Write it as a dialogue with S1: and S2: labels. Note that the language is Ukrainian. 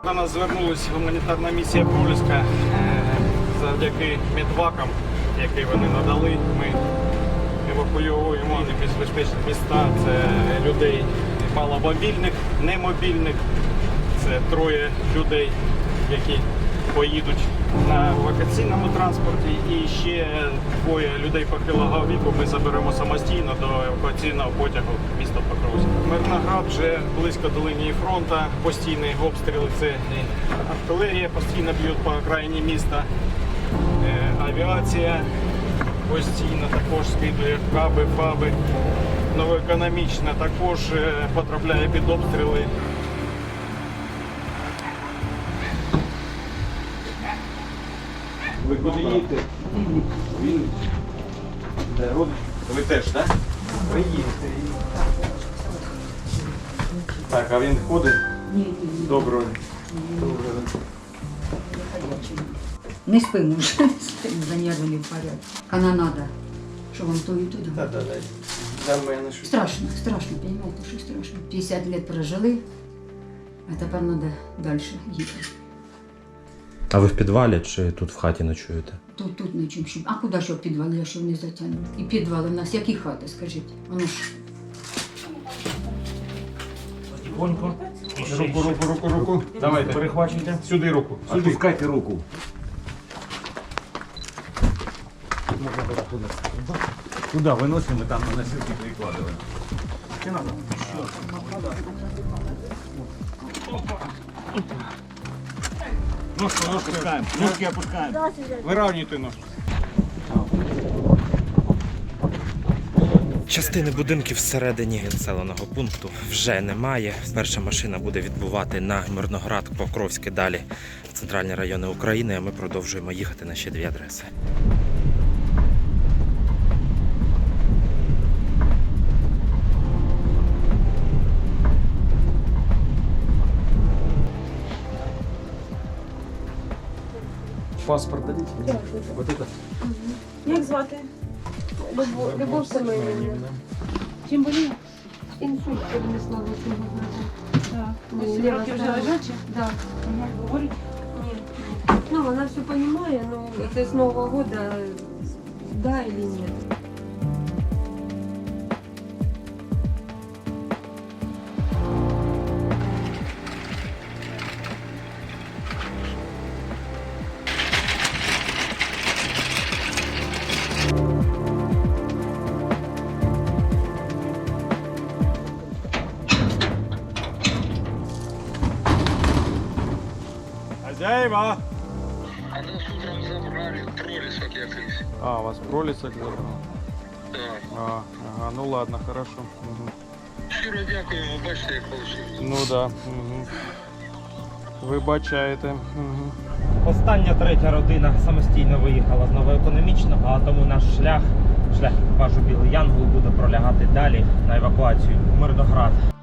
S1: До нас звернулася гуманітарна місія Проліска завдяки медвакам, які вони надали. Ми евакуюємо в безпечні міста. Це людей маломобільних, немобільних. Це 3 людей, які поїдуть на евакуаційному транспорті. І ще 2 людей похилого віку ми заберемо самостійно до евакуаційного потягу міста Покровськ. Мирноград вже близько до лінії фронту. Постійні обстріли, це артилерія постійно б'ють по окраїні міста. Авіація постійно також скидує каби, фаби. Новоекономічна також потрапляє під обстріли. Ви куди їдете? Він де родич? Ви теж, так? Ви їдете. Так, а він ходить?
S2: Ні.
S1: Доброго.
S2: Не спимо вже, за нервами в порядку. Канонада. Що вам то і туди?
S1: Так. Для мене щось.
S2: Страшно, понимаете, що страшно. 50 лет прожили, а тепер треба далі їхати.
S3: А ви в підвалі чи тут в хаті ночуєте?
S2: Тут нічим. А куди що в підвал, я що не затягну? І підвали в нас, які хати, скажіть? Воно ж.
S1: Тихонько. Руку. Давайте. Перехвачуйте. Сюди руку. Сюди.
S4: Опускайте руку. Туди виносимо, там на носилки прикладываем.
S1: Ножку опускаємо. Ножки опускаємо. Виравнюйте ножку.
S3: Частини будинків всередині населеного пункту вже немає. Перша машина буде відбувати на Мирноград, Покровське, далі в центральні райони України, а ми продовжуємо їхати на ще 2 адреси.
S1: Паспорт дадите?
S5: Так.
S1: Вот это?
S5: Як звати? Любов Семенівна. Чим боліє? Інсульт перенесла 8 років. Так. 8 років вже лежачі? Так. Говорить? Ні. Ну, вона все розуміє, ну, це з Нового року, да или ні.
S1: Хозяева!
S6: А нас утром забрали, пролесок якийсь.
S1: А, у вас пролісок забрав?
S6: Так.
S1: Ага, ну ладно, хорошо. Угу.
S6: Щиро дякуємо, бачите, як вийшло.
S1: Ну да. Угу. Вибачаєте. Угу.
S3: Остання 3-я родина самостійно виїхала з Новоекономічного, а тому наш шлях екіпажу Білий Янгол буде пролягати далі на евакуацію в Мирноград.